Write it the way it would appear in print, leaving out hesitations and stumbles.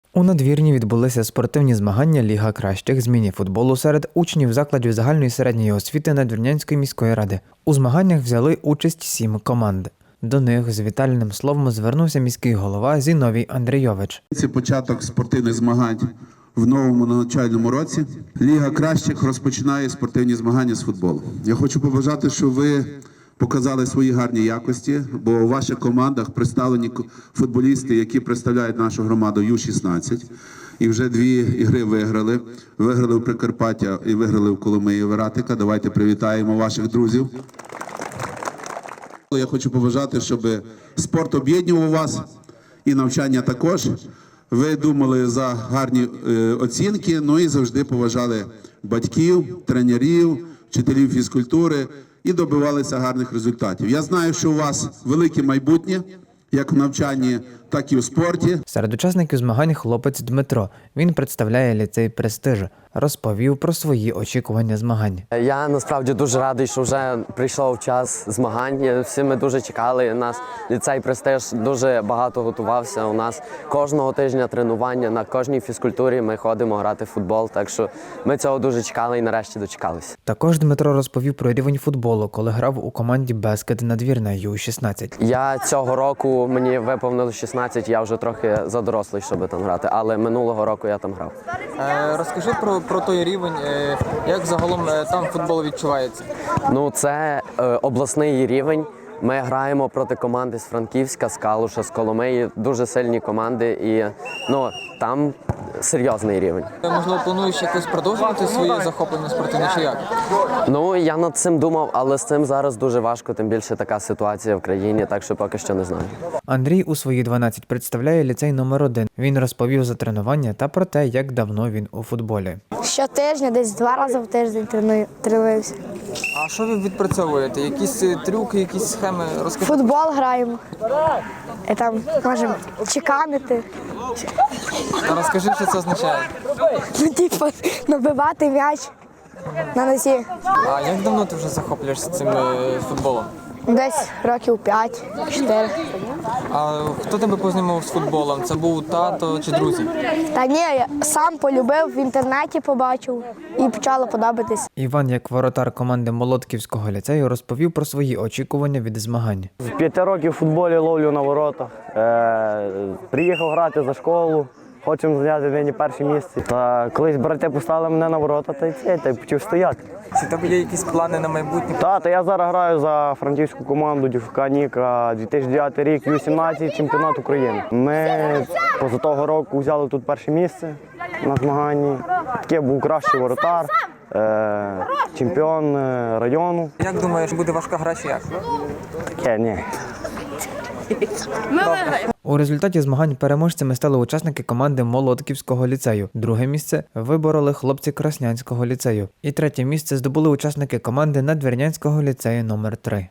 У надвірні відбулися спортивні змагання Ліга кращих з міні-футболу серед учнів закладів загальної середньої освіти Надвірнянської міської ради. У змаганнях взяли участь 7 команд. До них з вітальним словом звернувся міський голова Зіновій Андрійович. Це початок спортивних змагань в новому навчальному році. Ліга кращих розпочинає спортивні змагання з футболу. Я хочу побажати, щоб ви показали свої гарні якості, бо у ваших командах представлені футболісти, які представляють нашу громаду Ю-16. І вже 2 ігри виграли. Виграли в Прикарпаття і виграли в Коломиї Вератика. Давайте привітаємо ваших друзів. Я хочу побажати, щоб спорт об'єднував вас і навчання також. Ви думали за гарні оцінки, ну і завжди поважали батьків, тренерів, вчителів фізкультури і добивалися гарних результатів. Я знаю, що у вас велике майбутнє, як в навчанні, так і в спорті. Серед учасників змагань хлопець Дмитро. Він представляє ліцей «Престиж». Розповів про свої очікування змагань. Я насправді дуже радий, що вже прийшов час змагань. Всі ми дуже чекали. Нас ліцей «Престиж» дуже багато готувався. У нас кожного тижня тренування, на кожній фізкультурі ми ходимо грати в футбол. Так що ми цього дуже чекали і нарешті дочекалися. Також Дмитро розповів про рівень футболу, коли грав у команді «Бескет Надвірна» Ю-16. Я цього року, мені виповнилось 16, я вже трохи задорослий, щоб там грати, але минулого року я там грав. Розкажи про той рівень, як загалом там футбол відчувається? Ну, це обласний рівень. Ми граємо проти команди з Франківська, з Калуша, з Коломиї. Дуже сильні команди і там серйозний рівень. Можливо, плануєш якось продовжувати своє захоплення спортивне чи як? Ну, я над цим думав, але з цим зараз дуже важко, тим більше така ситуація в країні, так що поки що не знаю. Андрій у свої 12 представляє ліцей номер 1. Він розповів за тренування та про те, як давно він у футболі. Щотижня, десь 2 рази в тиждень тренуюся. А що ви відпрацьовуєте? Якісь трюки, якісь схеми? Розкажи. Футбол граємо. І там можемо чеканити. А розкажи, що це означає? Ну, типу, набивати м'яч на носі. А як давно ти вже захоплюєшся цим футболом? Десь років 5-4. А хто тебе познайомив з футболом? Це був тато чи друзі? Та ні, я сам полюбив, в інтернеті побачив і почало подобатись. Іван, як воротар команди Молодківського ліцею, розповів про свої очікування від змагань. З 5 років в футболі ловлю на воротах. Приїхав грати за школу, хочемо зайняти нині перше місце. Та колись брати поставили мене на ворота, та й почав стояти. Чи в тебе є якісь плани на майбутнє? Та я зараз граю за франківську команду ДЮФК «Ніка», 2009 рік, Ю-17, чемпіонат України. Ми поза того року взяли тут перше місце на змаганні. Таке був кращий воротар, чемпіон району. Як думаєш, буде важка гра чи як? Таке, ні. У результаті змагань переможцями стали учасники команди Молодківського ліцею. Друге місце вибороли хлопці Краснянського ліцею. І третє місце здобули учасники команди Надвірнянського ліцею номер 3.